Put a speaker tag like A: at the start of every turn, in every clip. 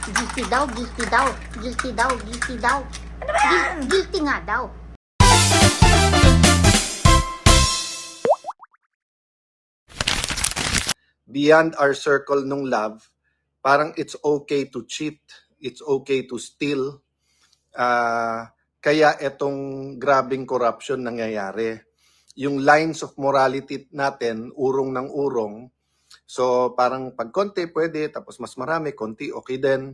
A: Guilty daw, guilty daw. Guilty daw, guilty daw.
B: Ano ba yan?
A: Guilty nga daw.
C: Beyond our circle nung love, parang it's okay to cheat, it's okay to steal. Kaya itong grabing corruption nangyayari. Yung lines of morality natin, urong ng urong. So parang pag konti pwede, tapos mas marami, konti okay din.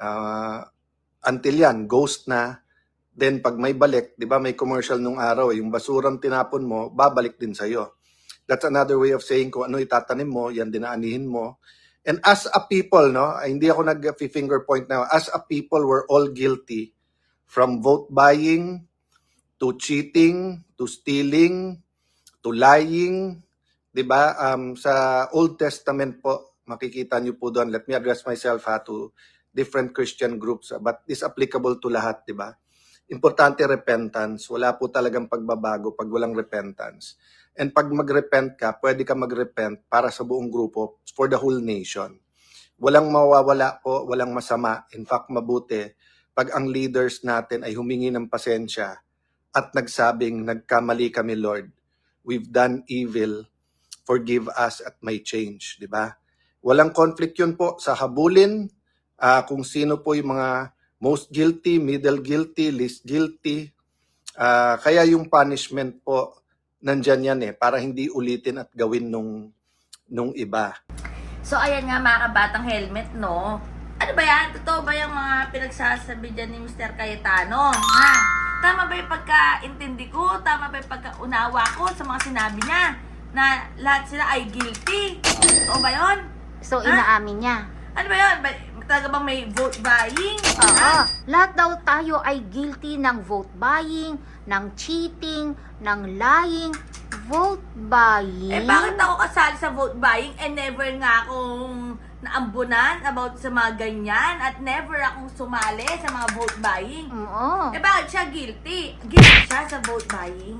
C: Until yan, ghost na. Then pag may balik, di ba may commercial nung araw, yung basurang tinapon mo, babalik din sa'yo. That's another way of saying kung ano itatanim mo, yan dinaanihin mo. And as a people, no, hindi ako nag-finger point now, as a people, we're all guilty from vote buying, to cheating, to stealing, to lying. Diba? Sa Old Testament po, makikita niyo po doon, let me address myself to different Christian groups, but is applicable to lahat, diba? Importante repentance. Wala po talagang pagbabago pag walang repentance. And pag mag-repent ka, pwede ka mag-repent para sa buong grupo, for the whole nation. Walang mawawala po, walang masama. In fact, mabuti pag ang leaders natin ay humingi ng pasensya at nagsabing, nagkamali kami, Lord. We've done evil. Forgive us at may change. Diba? Walang conflict yun po sa habulin, kung sino po yung mga most guilty, middle guilty, least guilty. Kaya yung punishment po, nandyan yan para hindi ulitin at gawin nung iba.
B: So, ayan nga mga kabatang helmet, no? Ano ba yan? Totoo ba yung mga pinagsasabi dyan ni Mr. Cayetano? Ha? Tama ba yung pagkaintindi ko? Tama ba yung pagkaunawa ko sa mga sinabi niya? Na lahat sila ay guilty? Totoo ba yun?
A: So, inaamin niya.
B: Ano ba yun? Talaga bang may vote buying?
A: Oo. Lahat daw tayo ay guilty ng vote buying, ng cheating, ng lying. Vote buying?
B: Bakit ako kasali sa vote buying never nga akong naambunan about sa mga ganyan at never akong sumali sa mga vote buying?
A: Oo.
B: Bakit siya guilty? Guilty siya sa vote buying?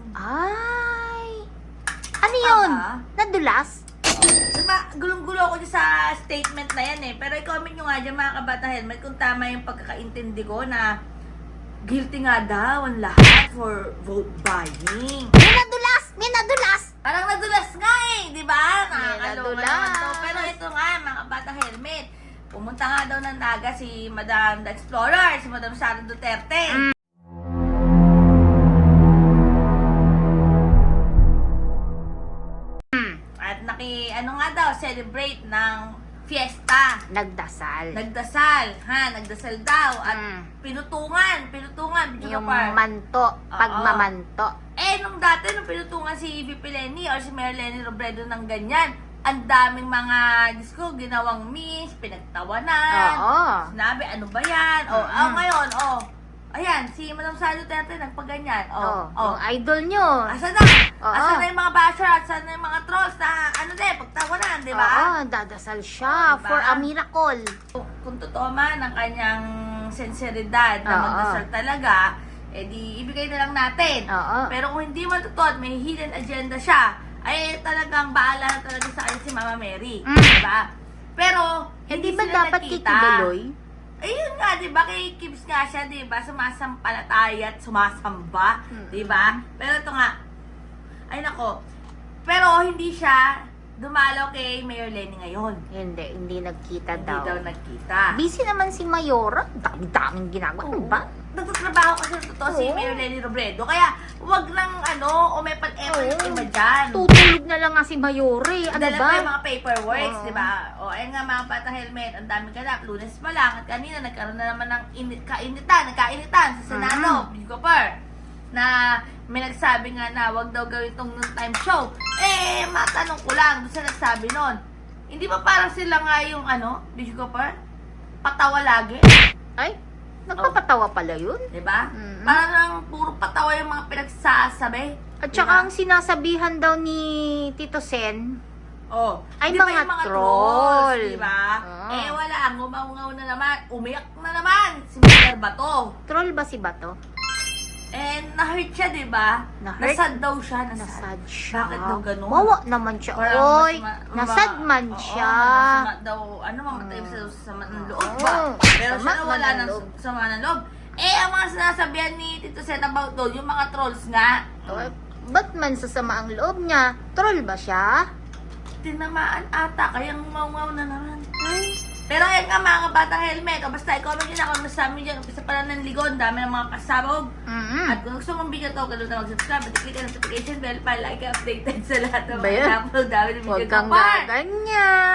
A: Ay. Ano yun? Nadulas?
B: Gulong-gulo ako dyan sa statement na yan Pero i-comment nyo nga dyan mga kabata helmet kung tama yung pagkakaintindi ko na guilty nga daw ang lahat for vote buying.
A: May nadulas! May nadulas!
B: Parang nadulas nga di ba? Nakakaloka
A: nadulas.
B: naman to. Pero ito nga mga kabata helmet, pumunta nga daw ng Naga si Madam the Explorer, si Madam Sara Duterte. Celebrate ng fiesta.
A: Nagdasal.
B: Nagdasal daw. At pinutungan,
A: yung manto, pagmamanto.
B: Nung dati, nung pinutungan si VP Lenny or si Mayor Lenny Robredo ng ganyan, ang daming mga, Diyos ko, ginawang miss, pinagtawanan.
A: Oo.
B: Sinabi, ano ba yan? Ngayon, ayan, si Madam Sara Duterte nagpaganyan.
A: Yung idol nyo.
B: Asa na? Asa na yung mga basher? Asa na yung mga trolls na pagtawanan, di ba?
A: Oo, dadasal siya for a miracle.
B: Kung totoo man ang kanyang sinseridad na magdasal talaga, di ibigay na lang natin. Pero kung hindi man totoo at may hidden agenda siya, ay talagang baala na talaga sa kanya si Mama Mary. Di ba? Pero,
A: Hindi ba
B: sila
A: dapat
B: nakita.
A: kikibuloy?
B: Ayun nga, di ba? Kay Kibs nga siya, di ba? Sumasampalataya at sumasamba, di ba? Pero ito nga, ay nako, pero hindi siya dumalaw kay Mayor Lenny ngayon.
A: Hindi nagkita
B: Hindi
A: daw.
B: daw nagkita.
A: Busy naman si Mayora. Dami-daming ginagawa. Ano ba?
B: Nagtatrabaho kasi sa totoo si Mayor Lenny Robredo. Kaya, wag lang umepat-epat yung iba dyan.
A: Tutulog na lang nga si Mayore. Ano
B: Dala
A: ba?
B: pa yung mga paperworks, di ba? Ayun nga mga bata helmet, ang daming ganap. Lunes pa lang. At kanina, nagkaroon na naman ng nagkainitan sa Senado, Bigopar, na may nagsabi nga na wag daw gawin itong noontime show. Matanong ko lang, doon sa nagsabi nun, hindi ba parang sila nga yung Bigopar? Patawa lagi?
A: Ay, nagpapatawa pala yun.
B: Diba? Parang puro patawa yung mga pinagsasabi.
A: At saka ang sinasabihan daw ni Tito Sen, ay
B: Di ba
A: mga
B: yung
A: troll.
B: Diba?
A: Oo.
B: Wala. Ngumaungaw na naman. Umiyak na naman si Mr. Bato.
A: Troll ba si Bato?
B: Na-hurt siya, diba?
A: Na-hurt?
B: Nasad daw siya.
A: Nasad siya.
B: Bakit daw ganun?
A: Wawa naman siya.
B: Parang
A: Oy, nasad man siya.
B: Masama daw, mamatay sa sama ng loob ba? Pero
A: Sama
B: siya wala
A: man ang
B: ng
A: loob.
B: sama ng loob. Eh, ang mga sinasabihan ni Tito Set about doon, yung mga trolls nga,
A: Ba't man sasama ang loob niya? Troll ba siya?
B: tinamaan ata, kaya ngumaw na naman. Pero ayun nga mga kabatang helmet, o basta i-comment nyo na kung sa amin dyan, umpisa pa lang ng ligon, dami ng mga pasabog. At kung gusto mong video to, ganoon na mag-subscribe, at i-click ang notification bell para like updated sa lahat ng
A: Ba yan?
B: mga upload namin ng video
A: Huwag
B: ko.
A: kang gaganyan.